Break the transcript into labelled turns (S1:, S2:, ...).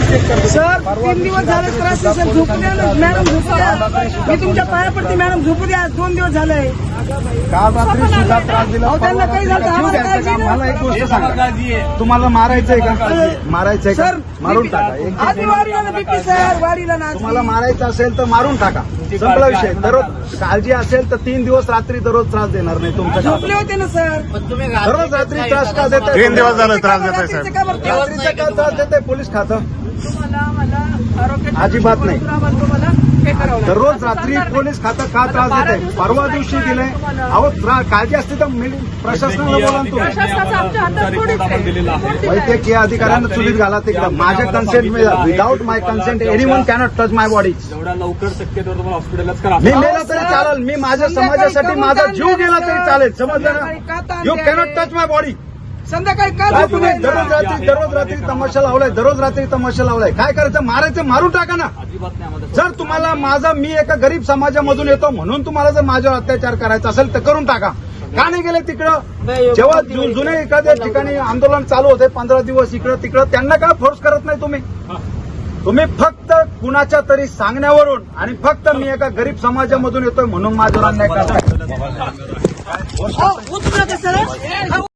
S1: Sir 3 दिवस झाले त्रास आहे, सर झोपू द्या ना मॅडम, झोपू द्या. मी तुमच्या पाया पडते मॅडम, झोपू द्या. 2 दिवस झाले.
S2: काल रात्री सुद्धा त्रास दिला.
S1: अहो, त्यांना काही झालं तर आम्हाला काळजी नाही.
S2: मला एक गोष्ट सांगा, तुम्हाला मारायचंय का? मारायचंय का?
S1: सर
S2: मारून टाका.
S1: आधी वाढीला ना बीपी सर, वाढीला ना.
S2: तुम्हाला मारायचं असेल तर मारून टाका. संपला विषय. दररोज काळजी असेल तर 3 दिवस रात्री दररोज त्रास देणार नाही तुमच्या.
S1: झोपले होते ना सर.
S2: दररोज रात्री त्रास का देत?
S3: 3 दिवस झाले त्रास देत आहे साहेब.
S2: रात्रीचा का त्रास देत पोलीस खातं?
S1: मला आरोग्य
S2: अजिबात नाही.
S1: तुम्हाला हे करावं लागेल.
S2: दररोज रात्री पोलीस खातं का त्रास देत आहे? परवा दिवशी दिलंय. अहो काळजी असते तर प्रशासनाला बोला ना तुम्ही.
S1: प्रशासनाचा आमच्या हातात थोडीच आहे.
S2: वैद्यकीय अधिकाऱ्यांना चुलीत घाला तिकडं. माझ्या consent without my consent anyone cannot touch my body.
S4: जेवढ्या लवकर शक्य तेवढं तुम्हाला हॉस्पिटलच करा.
S2: मी मेला तरी चालेल. मी माझ्या समाजासाठी माझा जीव गेला तरी चालेल. समजलं ना? You cannot touch my body.
S1: संध्याकाळी का
S2: काय
S1: झोपू
S2: तुम्ही
S1: द्यायचं?
S2: दररोज रात्री तमाशा लावलाय. दररोज रात्री तमाशा लावलाय. काय करायचं? मारायचं, मारून टाका ना.
S4: अजिबात नाही आम्हाला.
S2: जर तुम्हाला मी एका गरीब समाजामधून येतो म्हणून तुम्हाला जर माझ्यावर अत्याचार करायचा असेल तर करून टाका. का नाही गेले तिकडं? जेव्हा जुने एखाद्या ठिकाणी आंदोलन चालू होते 15 दिवस इकडं तिकडं, त्यांना काय फोर्स करत नाही तुम्ही? तुम्ही फक्त कुणाच्या तरी सांगण्यावरून आणि फक्त मी एका गरीब समाजामधून येतोय म्हणून माझ्यावर अन्याय करताय.
S1: उचलू नका सर.